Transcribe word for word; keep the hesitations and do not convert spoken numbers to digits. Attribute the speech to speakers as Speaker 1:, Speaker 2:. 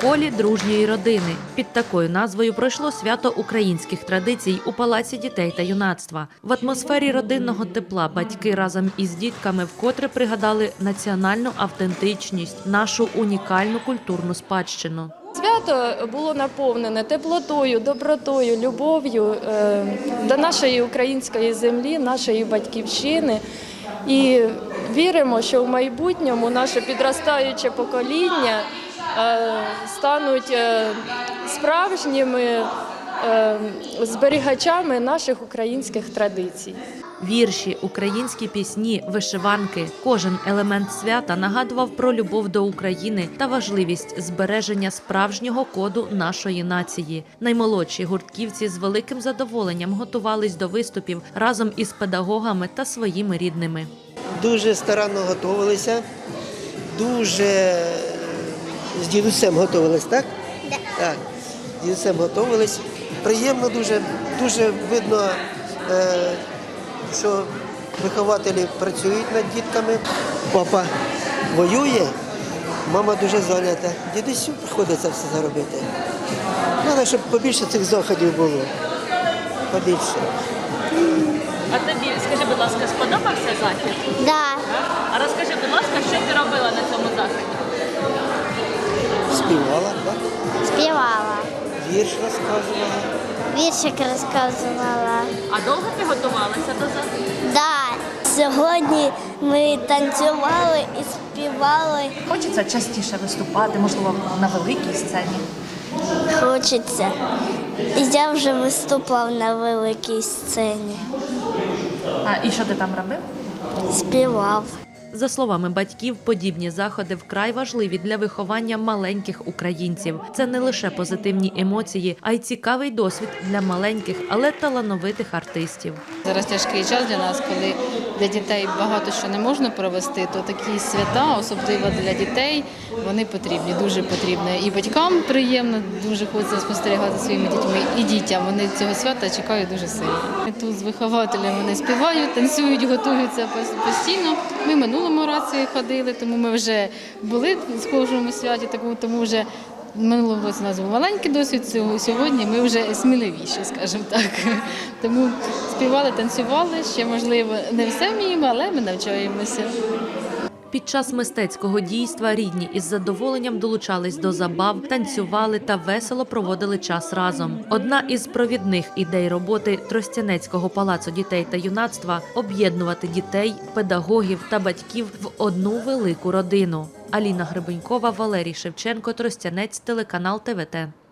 Speaker 1: колі дружньої родини. Під такою назвою пройшло свято українських традицій у Палаці дітей та юнацтва. В атмосфері родинного тепла батьки разом із дітками вкотре пригадали національну автентичність, нашу унікальну культурну спадщину.
Speaker 2: Свято було наповнене теплотою, добротою, любов'ю е, до нашої української землі, нашої батьківщини. І віримо, що в майбутньому наше підростаюче покоління е, стануть е, справжніми е, зберігачами наших українських традицій.
Speaker 1: Вірші, українські пісні, вишиванки – кожен елемент свята нагадував про любов до України та важливість збереження справжнього коду нашої нації. Наймолодші гуртківці з великим задоволенням готувались до виступів разом із педагогами та своїми рідними.
Speaker 3: Дуже старанно готувалися, дуже з дідусем готувались, так?
Speaker 4: Да.
Speaker 3: Так, з дідусем готувались. Приємно дуже, дуже видно, що вихователі працюють над дітками. Папа воює, мама дуже зайнята. Дідусю приходиться все заробити. Треба, щоб побільше цих заходів було. Побільше.
Speaker 1: А тобі, скажи, будь ласка, сподобався захід?
Speaker 4: Да.
Speaker 1: А розкажи, будь ласка, що ти робила на цьому заході?
Speaker 3: Співала, так?
Speaker 4: Співала.
Speaker 3: Вірш розказувала.
Speaker 4: Віршик розказувала.
Speaker 1: А довго ти готувалася до заходу?
Speaker 4: Да. Сьогодні ми танцювали і співали.
Speaker 5: Хочеться частіше виступати, можливо, на великій сцені.
Speaker 4: Хочеться. І я вже виступав на великій сцені.
Speaker 5: А і що ти там робив?
Speaker 4: Співав.
Speaker 1: За словами батьків, подібні заходи вкрай важливі для виховання маленьких українців. Це не лише позитивні емоції, а й цікавий досвід для маленьких, але талановитих артистів.
Speaker 6: Зараз тяжкий час для нас, коли для дітей багато що не можна провести, то такі свята, особливо для дітей, вони потрібні, дуже потрібні. І батькам приємно, дуже хочеться спостерігати своїми дітьми, і дітям. Вони цього свята чекають дуже сильно. Ми тут з вихователями вони співають, танцюють, готуються постійно. Ми минулому році ходили, тому ми вже були в схожому святі, тому вже минулого році у нас був маленький досвід, сьогодні ми вже сміливіші, скажімо так. Тому співали, танцювали, ще, можливо, не все вміємо, але ми навчаємося.
Speaker 1: Під час мистецького дійства рідні із задоволенням долучались до забав, танцювали та весело проводили час разом. Одна із провідних ідей роботи Тростянецького палацу дітей та юнацтва – об'єднувати дітей, педагогів та батьків в одну велику родину. Аліна Гребенькова, Валерій Шевченко, Тростянець, телеканал Т В Т.